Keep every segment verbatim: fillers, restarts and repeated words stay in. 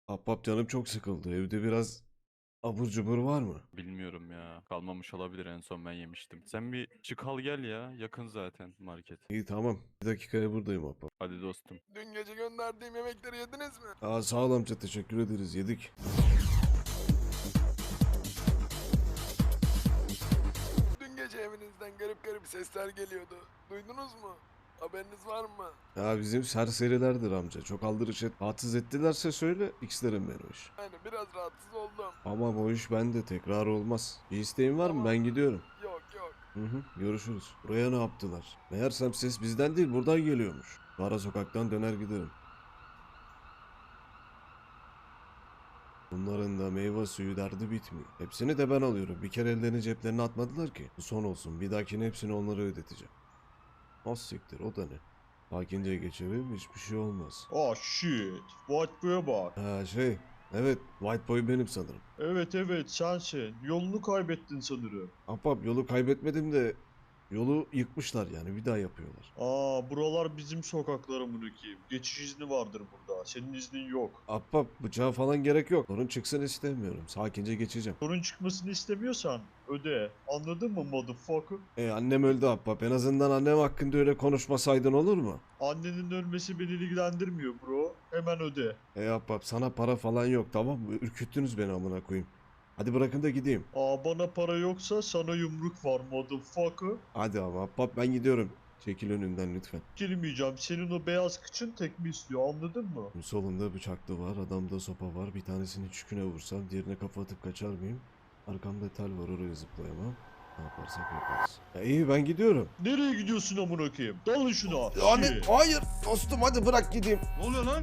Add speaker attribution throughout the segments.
Speaker 1: Ahbap canım çok sıkıldı. Evde biraz abur cubur var mı?
Speaker 2: Bilmiyorum ya. Kalmamış olabilir, en son ben yemiştim. Sen bir çık al gel ya. Yakın zaten market.
Speaker 1: İyi tamam. Bir dakikaya buradayım ahbap.
Speaker 2: Hadi dostum.
Speaker 3: Dün gece gönderdiğim yemekleri yediniz mi?
Speaker 1: Aa sağ ol amca, teşekkür ederiz, yedik.
Speaker 3: Dün gece evinizden garip garip sesler geliyordu. Duydunuz mu? Haberiniz var mı?
Speaker 1: Ya bizim serserilerdir amca. Çok aldırış et. Rahatsız ettilerse söyle. X'lerim ben o iş.
Speaker 3: Yani biraz rahatsız oldum.
Speaker 1: Ama o iş bende tekrar olmaz. Bir isteğin var mı?
Speaker 3: Tamam.
Speaker 1: Ben gidiyorum.
Speaker 3: Yok yok.
Speaker 1: Hı hı, görüşürüz. Buraya ne yaptılar? Meğersem ses bizden değil buradan geliyormuş. Ara sokaktan döner giderim. Bunların da meyve suyu derdi bitmiyor. Hepsini de ben alıyorum. Bir kere ellerini ceplerine atmadılar ki. Bu son olsun. Bir dahakine hepsini onlara ödeteceğim. Az siktir, o da ne? Sakince geçelim, hiçbir şey olmaz.
Speaker 4: Ah shit. White Boy'a bak.
Speaker 1: Ha şey, evet, White Boy benim sanırım.
Speaker 4: Evet evet sensin. Yolunu kaybettin sanırım.
Speaker 1: Ahbap, yolu kaybetmedim de yolu yıkmışlar, yani bir daha yapıyorlar.
Speaker 4: Aa buralar bizim sokaklar amına koyayım. Geçiş izni vardır burada. Senin iznin yok.
Speaker 1: Ahbap, bıçağa falan gerek yok. Sorun çıksın istemiyorum. Sakince geçeceğim.
Speaker 4: Sorun çıkmasını istemiyorsan öde. Anladın mı motherfucker?
Speaker 1: E annem öldü ahbap. En azından annem hakkında öyle konuşmasaydın olur mu?
Speaker 4: Annenin ölmesi beni ilgilendirmiyor bro. Hemen öde.
Speaker 1: E ahbap, sana para falan yok, tamam mı? Ürküttünüz beni amına koyayım. Hadi bırakın da gideyim.
Speaker 4: Aa bana para yoksa sana yumruk var motherfucker.
Speaker 1: Hadi ama ahbap, ben gidiyorum. Çekil önümden lütfen.
Speaker 4: Girmeyeceğim. Senin o beyaz kıçın tekme istiyor anladın mı?
Speaker 1: Solunda bıçaklı var, adamda sopa var. Bir tanesini çüküne vursam diğerine kafa atıp kaçar mıyım? Arkamda tel var, oraya zıplayamam. Ne yaparsak yaparız. Ya iyi, ben gidiyorum.
Speaker 4: Nereye gidiyorsun amına koyayım? Dalın şuna. Shit.
Speaker 1: hayır dostum, hadi bırak gideyim.
Speaker 5: Ne oluyor lan?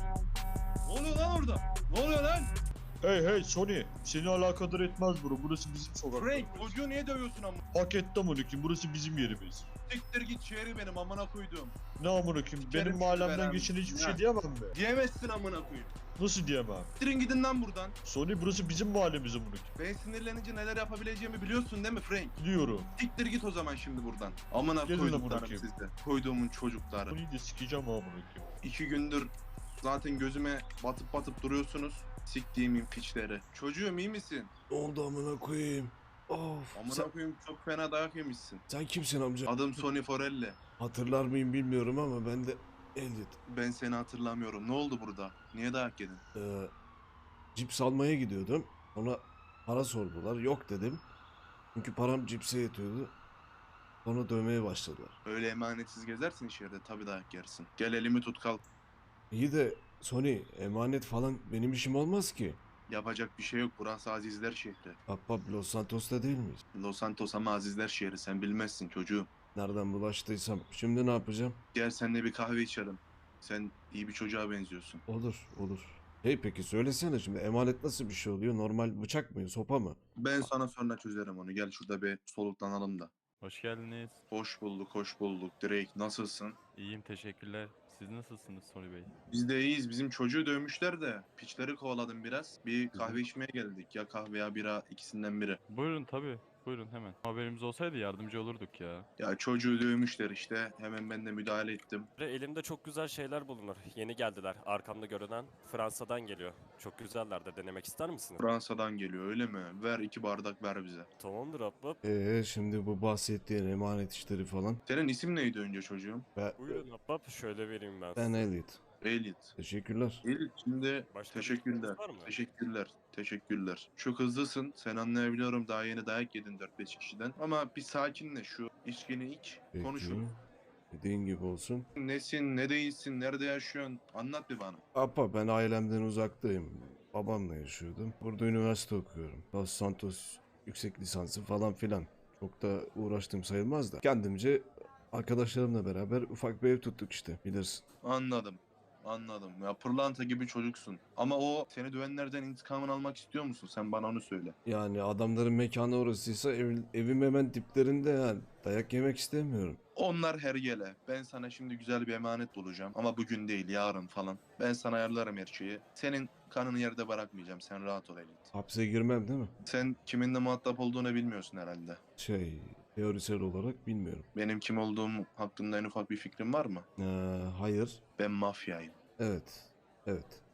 Speaker 5: Ne oluyor lan orada? Ne oluyor lan?
Speaker 4: Hey hey Sony. Seni alakadar etmez bro. Burası bizim sokak.
Speaker 5: Frank, çocuğu niye dövüyorsun amına?
Speaker 4: Hak etti amına koyayım. Burası bizim yerimiz.
Speaker 5: Siktir git, şehri benim amına koydum.
Speaker 4: Ne amına koyayım?
Speaker 5: Sikerim
Speaker 4: Benim
Speaker 5: sizi
Speaker 4: mahallemden
Speaker 5: beraber.
Speaker 4: geçen hiçbir
Speaker 5: Ya.
Speaker 4: şey diyemem mi?
Speaker 5: Diyemezsin amına koyayım.
Speaker 4: Nasıl diyemem?
Speaker 5: Siktirin gidin lan buradan.
Speaker 4: Sony burası bizim mahallemiz amına koyayım.
Speaker 5: Ben sinirlenince neler yapabileceğimi biliyorsun değil mi Frank?
Speaker 4: Biliyorum.
Speaker 5: Siktir git o zaman şimdi buradan. Amına
Speaker 4: Gelin amına
Speaker 5: koyduklarım
Speaker 4: koyayım.
Speaker 5: sizde. Koyduğumun çocukları.
Speaker 4: Sony'yi de sikeceğim amına koyayım.
Speaker 5: İki gündür zaten gözüme batıp batıp duruyorsunuz. Siktiğimin piçleri. Çocuğum iyi misin?
Speaker 1: Ne oldu amına koyayım? Of.
Speaker 5: Amına
Speaker 1: Sen,
Speaker 5: koyayım, çok fena dayak yemişsin.
Speaker 1: sen kimsin amca?
Speaker 5: Adım Sony Forelli.
Speaker 1: Hatırlar mıyım bilmiyorum ama ben de Elliot.
Speaker 5: Ben seni hatırlamıyorum. Ne oldu burada? Niye dayak yedin?
Speaker 1: Ee, cips almaya gidiyordum. Sonra para sordular. Yok dedim. Çünkü param cipse yetiyordu. Sonra dövmeye başladılar.
Speaker 5: Öyle emanetsiz gezersin içeride, tabii dayak yersin. Gel elimi tut, kalk.
Speaker 1: İyi de Sony, emanet falan benim işim olmaz ki.
Speaker 5: Yapacak bir şey yok. Burası Azizler şehri.
Speaker 1: Ahbap, Los Santos'ta değil miyiz?
Speaker 5: Los Santos ama Azizler şehri. Sen bilmezsin çocuğum.
Speaker 1: Nereden bulaştıysam. Şimdi ne yapacağım?
Speaker 5: Gel seninle bir kahve içelim. Sen iyi bir çocuğa benziyorsun.
Speaker 1: Olur, olur. Hey peki söylesene, şimdi emanet nasıl bir şey oluyor? Normal bıçak mı, sopa mı?
Speaker 5: Ben sana sonra çözerim onu. Gel şurada bir soluklanalım da.
Speaker 2: Hoş geldiniz.
Speaker 5: Hoş bulduk, hoş bulduk. Drake, nasılsın?
Speaker 2: İyiyim, teşekkürler. Siz nasılsınız Sony Bey?
Speaker 5: Biz de iyiyiz. Bizim çocuğu dövmüşler de piçleri kovaladım biraz. Bir kahve içmeye geldik. Ya kahve ya bira, ikisinden biri.
Speaker 2: Buyurun tabii. Buyurun hemen. Haberimiz olsaydı yardımcı olurduk ya.
Speaker 5: Ya çocuğu dövmüşler işte. Hemen ben de müdahale ettim.
Speaker 6: Ve elimde çok güzel şeyler bulunur. Yeni geldiler. Arkamda görünen Fransa'dan geliyor. Çok güzeller de, denemek ister misiniz?
Speaker 5: Fransa'dan geliyor öyle mi? Ver iki bardak ver bize.
Speaker 6: Tamamdır ahbap.
Speaker 1: Ee şimdi bu bahsettiğin emanet işleri falan.
Speaker 5: Senin isim neydi önce çocuğum?
Speaker 1: Ve
Speaker 6: Buyurun ahbap, şöyle vereyim ben
Speaker 1: ben
Speaker 6: size.
Speaker 1: Elliot.
Speaker 5: Elliot.
Speaker 1: Teşekkürler.
Speaker 5: Elliot şimdi
Speaker 6: Başka bir
Speaker 5: teşekkürler.
Speaker 6: isteğiniz var mı?
Speaker 5: Teşekkürler. Teşekkürler. Çok hızlısın. Sen anlayabiliyorum, daha yeni dayak yedin dört beş kişiden. Ama bir sakinle, şu içkini iç.
Speaker 1: Peki.
Speaker 5: Konuşun.
Speaker 1: Dediğin gibi olsun.
Speaker 5: Nesin, ne değilsin, nerede yaşıyorsun? Anlat bir bana.
Speaker 1: Apa, ben ailemden uzaktayım. Babamla yaşıyordum. Burada üniversite okuyorum. Los Santos yüksek lisansı falan filan. Çok da uğraştım sayılmaz da. Kendimce arkadaşlarımla beraber ufak bir ev tuttuk işte, bilirsin.
Speaker 5: Anladım. Anladım. Ya pırlanta gibi çocuksun. Ama o seni dövenlerden intikamını almak istiyor musun? Sen bana onu söyle.
Speaker 1: Yani adamların mekanı orasıysa ev, evim hemen diplerinde, yani dayak yemek istemiyorum.
Speaker 5: Onlar hergele. Ben sana şimdi güzel bir emanet bulacağım. Ama bugün değil, yarın falan. Ben sana ayarlarım her şeyi. Senin kanını yerde bırakmayacağım. Sen rahat ol Elliot.
Speaker 1: Hapse girmem değil mi?
Speaker 5: Sen kiminle muhatap olduğunu bilmiyorsun herhalde.
Speaker 1: Şey, teorisel olarak bilmiyorum.
Speaker 5: Benim kim olduğum hakkında en ufak bir fikrin var mı?
Speaker 1: Ee, hayır.
Speaker 5: Ben mafyayım.
Speaker 1: Evet. Evet.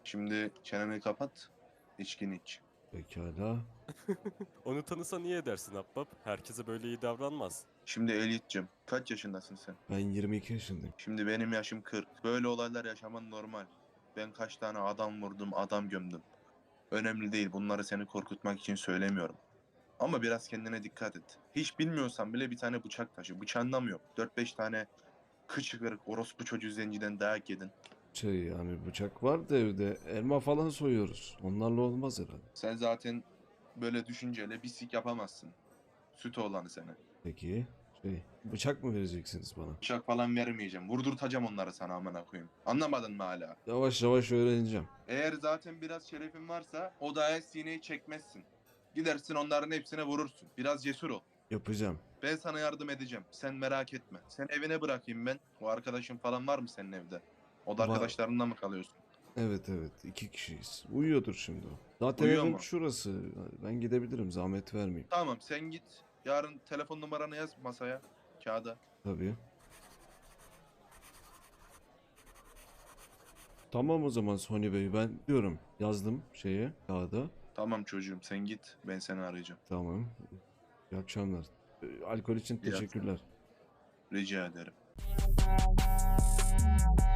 Speaker 5: Şimdi çeneni kapat, içkini iç.
Speaker 1: Pekala.
Speaker 6: Onu tanısa niye edersin Abbab? Herkese böyle iyi davranmaz.
Speaker 5: Şimdi Elit'cim, kaç yaşındasın sen?
Speaker 1: Ben yirmi iki yaşındayım.
Speaker 5: Şimdi benim yaşım kırk. Böyle olaylar yaşaman normal. Ben kaç tane adam vurdum, adam gömdüm. Önemli değil, bunları seni korkutmak için söylemiyorum. Ama biraz kendine dikkat et. Hiç bilmiyorsan bile bir tane bıçak taşı. Bıçağından mı yok? dört beş tane kıçı kırık orospu çocuğu zenciden dayak yedin.
Speaker 1: Şey yani bıçak var da evde. Elma falan soyuyoruz. Onlarla olmaz herhalde.
Speaker 5: Sen zaten böyle düşünceyle bir sik yapamazsın. Süt oğlanı seni.
Speaker 1: Peki. Şey, bıçak mı vereceksiniz bana?
Speaker 5: Bıçak falan vermeyeceğim. Vurdurtacağım onları sana amına koyayım. Anlamadın mı hala?
Speaker 1: Yavaş yavaş öğreneceğim.
Speaker 5: Eğer zaten biraz şerefin varsa o dayak sineği çekmezsin. Gidersin onların hepsine vurursun. Biraz cesur ol.
Speaker 1: Yapacağım.
Speaker 5: Ben sana yardım edeceğim. Sen merak etme. Sen evine bırakayım ben. O arkadaşın falan var mı senin evde? O da
Speaker 1: Var.
Speaker 5: arkadaşlarınla mı kalıyorsun?
Speaker 1: Evet evet iki kişiyiz. Uyuyordur şimdi o. Zaten
Speaker 5: Uyuyor
Speaker 1: evim
Speaker 5: mu?
Speaker 1: şurası. Ben gidebilirim zahmet vermeyeyim.
Speaker 5: Tamam sen git. Yarın telefon numaranı yaz masaya. Kağıda.
Speaker 1: Tabii. Tamam o zaman Sony Bey ben diyorum. Yazdım şeye kağıda.
Speaker 5: Tamam çocuğum sen git. Ben seni arayacağım.
Speaker 1: Tamam. İyi akşamlar. Ee, Alkol için
Speaker 5: İyi akşamlar.
Speaker 1: teşekkürler.
Speaker 5: Rica ederim.